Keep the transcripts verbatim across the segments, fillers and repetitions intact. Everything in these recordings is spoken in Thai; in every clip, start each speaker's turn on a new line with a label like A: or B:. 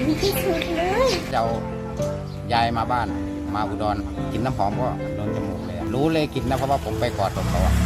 A: ที่สุดเลย
B: จะเอายายมาบ้านมาอุดรกินน้ำหอมก็โดนจมูกเลยรู้เลยกินนะเพราะว่าผมไปกอดเขาอะ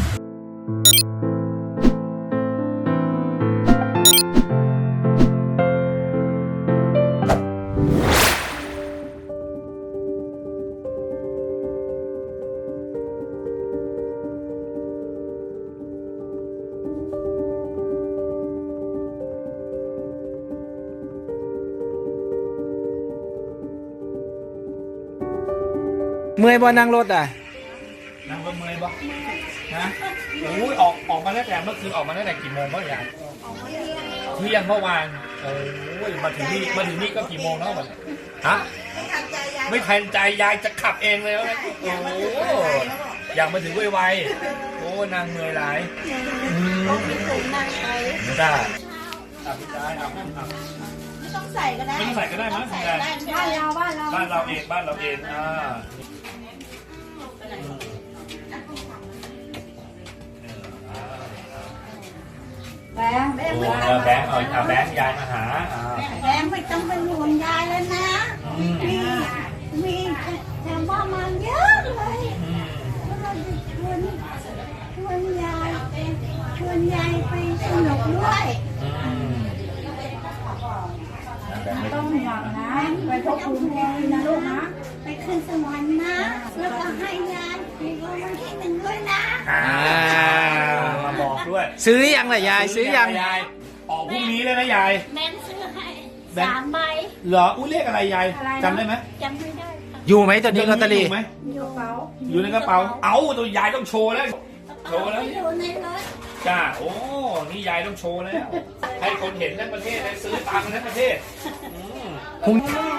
C: เมื่อยบ่นั่งรถอ่ะ
D: นั่งรถเมื่อยบ่นะโอ้ยออกออกมาตั้งแต่เมื่อคืนออกมาตั้งแต่กี่โมงเมื่อไหร่เที่ยงเมื่อวานโอ้ยมาถึงนี่มาถึงนี่ก็กี่โมงแล้วมันฮะไม่ทันใจยายจะขับเองเลยนะโอ้อยากมาถึงไวๆโอ้นางเมื่อยหลายไม่ได้ตัดพี่จ้าเอา
A: ไม่ต้องใส่ก็ได้
D: ไม่ต้องใส่ก็ได้มั้ง
A: บ้านเราบ้านเรา
D: บ้านเราเองบ้านเราเองอ่า
A: แบงค์แบงค์ไม่
D: เอ
A: ต้อง
D: อแบงค์เอาเอาแบงค์ยายมาหา
A: แบงค์ไม่ต้องเป็นห่วงยายแล้วนะมีมีแต่ว่ามาเยอะเลยเราจะชวนชวนยายชวนยายไปสนุกด้วยต้องหวังนะไปพบคุณแม่นะลูกนะไปขึ้นสวรรค์นะแล้วก็ให้ยายมีรางวัลที่หนึ่งด้วยนะ
D: มาบอกด้วย
C: ซื้อยังล่ะยายซื้อยัง
D: ยายออกพรุ่งนี้เลยนะยาย
A: แม่ซื้อให้สามใบ
D: เหรออุ้ยเลขอะไรยายจำได้ไหม
A: จำไม่ได้
C: อยู่ไหมตอนนี้ลอตเตอรี่
D: อยู่ไหม
A: อยู่กระเป๋า
D: อยู่ในกระเป๋าเอ้าตัวยายต้องโชว์แล้วโชว์แล้ว
A: อยู่ในรถ
D: จ้าโอ้นี่ยายต้องโชว์แล้วให้คนเห็นทั้งประเทศเลยซื้อตามทั้งประเทศ
C: คุณ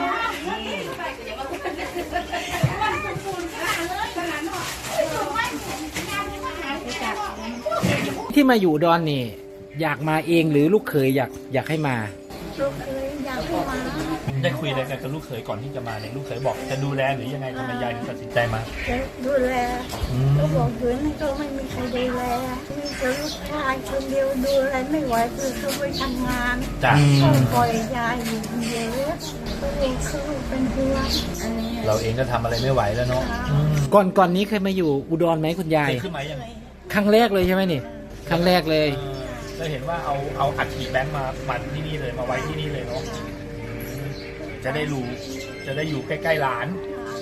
C: ที่มาอยู่ดอนนี่อยากมาเองหรือลูกเขยอยากอยากให้มา
A: ลูกเขยอยากให้มา
D: ได้คุยอะไรกันกับลูกเขยก่อนที่จะมาเนี่ยลูกเขยบอกจะดูแลหรือยังไงทำไมยายถึงตัดสินใจมา
A: จะดูแลก็บอกเพื่อนก็ไม่มีใครดูแลมีแต่ลูกชายคนเดียวดูแลไม่ไหวคือเขาไปทำงาน
D: จ้ะ
A: ปล่อยยายอยู่คนเดียวก็เลยเขาเป็นห่วง
D: เราเองก็ทำอะไรไม่ไหวแล้วเนาะ
C: ก่อนก่อนนี้เคยมาอยู่อุดรไหมคุณยาย
D: เคยขึ้นมายัง
C: ครั้งแรกเลยใช่ไหมนี่ครั้งแรกเลย
D: ก็เห็นว่าเอาเอาอัฐิแบงค์มามาที่นี่เลยมาไว้ที่นี่เลยเนาะจะได้รู้จะได้อยู่ใกล้ๆหลาน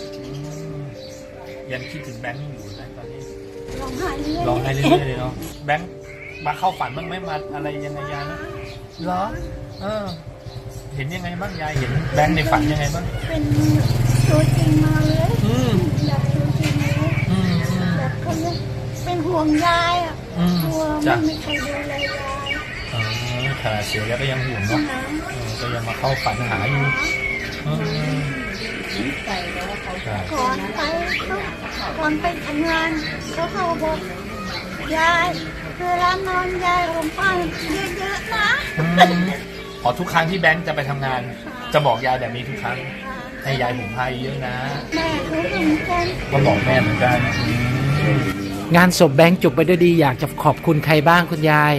D: ยังคิดถึงแบงค์อยู่นะตอนนี้
A: ร้องไห้เรื่อย
D: ร้องไห้เรื่อยๆเลยเนาะแบงค์มาเข้าฝันบ้างไหมมาอะไรยังไงยายนะเหรอเออเห็นยังไงบ้างยายเห็นแบงค์ในฝันยังไงบ้าง
A: เป็นตัวจริงมาเลยอยากตัวจริงเลยแบบเขาเป็นห่วงยายอ่ะห่วงไม่มีใครดูแลยาย
D: อ๋อขนาดเสียแล้วก็ยังห่วงเนาะก็ยังมาเข้าฝันหาอยู่
A: ก่อนไปก่อนไปทำงานเขาเขาบอกยายเวลานอนยายผมฟังเยอะๆนะ
D: อ๋อทุกครั้งที่แบงค์จะไปทำงานจะบอกยายแบบนี้ทุกครั้งให้ยายผมพายเยอะนะ
A: แม่รู้เหมือนกัน
D: ก็บอกแม่เหมือนกัน
C: งานศพแบงค์จบไปด้วยดีอยากจะขอบคุณใครบ้างคุณยาย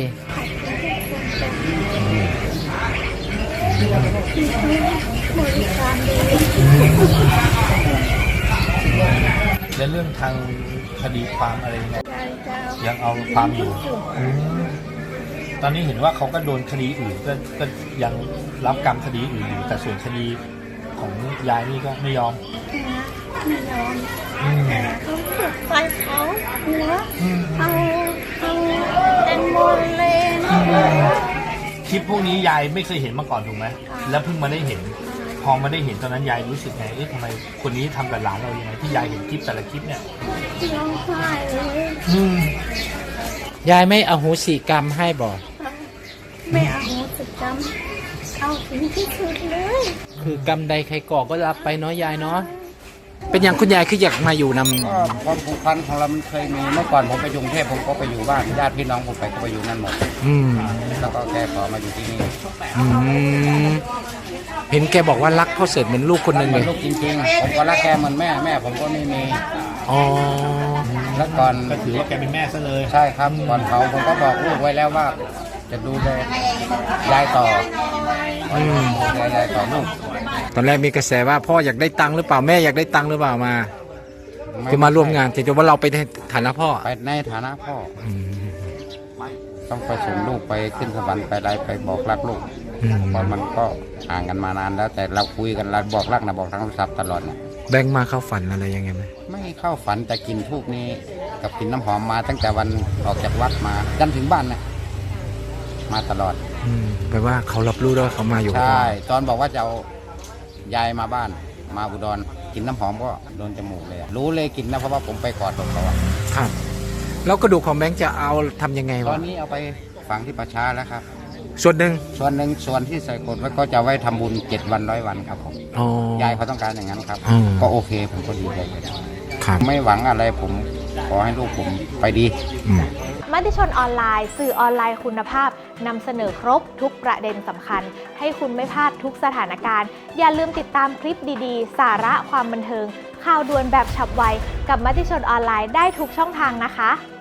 D: และเรื่องทางคดีความอะไรยังไงยังเอาความอยู่ตอนนี้เห็นว่าเขาก็โดนคดีอื่นก็ก็ยังรับกรรมคดีอื่นอยู่แต่ส่วนคดีของยายนี่ก็ไม่ยอม
A: ไม่ยอมเขาฝึกไฟเขาหัวเอาเอาแตงโมเลยนะ
D: คลิปพวกนี้ยายไม่เคยเห็นมาก่อนถูกไหมแล้วเพิ่งมาได้เห็นพอมาได้เห็นตอนนั้นยายรู้สึกไงเอ๊ะทำไมคนนี้ทำกับหลานเรายังไงที่ยายเห็นคลิปแต่ละคลิปเนี่ย
A: ร้องไห้เลย
C: ยายไม่อโหสิกรรมให้บอก
A: ไม่อโหสิกรรมเอาถึงที่สุดเลย
C: คือกรรมใดใครก่อก็รับไปเนาะยายเนาะเป็นอย่างคุณยายคืออยากมาอยู่น
B: ำความผูกพันของเรามันเคยมีเมื่อก่อนผมไปกรุงเทพผมก็ไปอยู่บ้านญาติพี่น้องผมไปก็ไปอยู่นั่นหมด
C: อืม
B: แล้วก็แกขอมาอยู่ที่นี่
C: อืมเห็นแกบอกว่ารักพ่อเสร็จเหมือนลูกคนหนึ่งเลย
B: ลูกจริงๆผมก็รักแกเหมือนแม่แม่ผมก็ไม่มี
C: อ๋อ
B: แล้วก่อน
D: ก็ถือว่าแกเป็นแม่ซะเลย
B: ใช่ครับก่อนเขาผมก็บอกลูกไว้แล้วว่าจะดูแลยายต่อ
C: อืม
B: ดูแลยายต่อลูก
C: ตอนแรกมีกระแสว่าพ่ออยากได้ตังค์หรือเปล่าแม่อยากได้ตังค์หรือเปล่ามาจะมาร่วมงานแต่ว่าเราไปในฐานะพ่อ
B: ไปในฐานะพ่อ
C: อืม
B: ต้องไปส่งลูกไปขึ้นสวรรค์ไปอะไรไปบอกรักลูก
C: อืม
B: เพราะมันก็ห่างกันมานานแล้ว แต่เราคุยกันเราบอกรักนะบอกทางโทรศัพท์ตลอดเนี่ย
C: แบงค์มาเข้าฝันอะไรยังไงไหม
B: ไม่เข้าฝันแต่กินทูกนี้กับกินน้ำหอมมาตั้งแต่วันออกจากวัดมาจนถึงบ้านนะมาตลอด
C: อืมแปลว่าเขารับรู้แล้ววาเขามาอยู่กับ
B: ใช่
C: เรา
B: ตอนบอกว่าจะเอายายมาบ้านมาอุดรกินน้ำหอมก็โดนจมูกเลยอะรู้เลยกินนะเพราะว่าผมไปกอดศพเขาอะ
C: ครับ แล้วกระดูกของแบงค์จะเอาทำยังไง
B: ตอ
C: วะ
B: นนี้เอาไปฝังที่ประชาแล้วครับ
C: ส่วนหนึ่ง
B: ส่วนหนึ่งส่วนที่ใส่กดไว้ก็จะไว้ทำบุญเจ็ดวันร้อยวันครับผม
C: อ๋อย
B: ายเขาต้องการอย่างนั้นครับ
C: อืม
B: ก็โอเคผมก็ดีใจเลย
C: ครับ
B: ไม่หวังอะไรผมขอให้ลูกผมไปดี
C: อืม
E: มติชนออนไลน์สื่อออนไลน์คุณภาพนำเสนอครบทุกประเด็นสำคัญ ให้คุณไม่พลาดทุกสถานการณ์ อย่าลืมติดตามคลิปดีๆ สาระความบันเทิง ข่าวด่วนแบบฉับไว กับมติชนออนไลน์ได้ทุกช่องทางนะคะ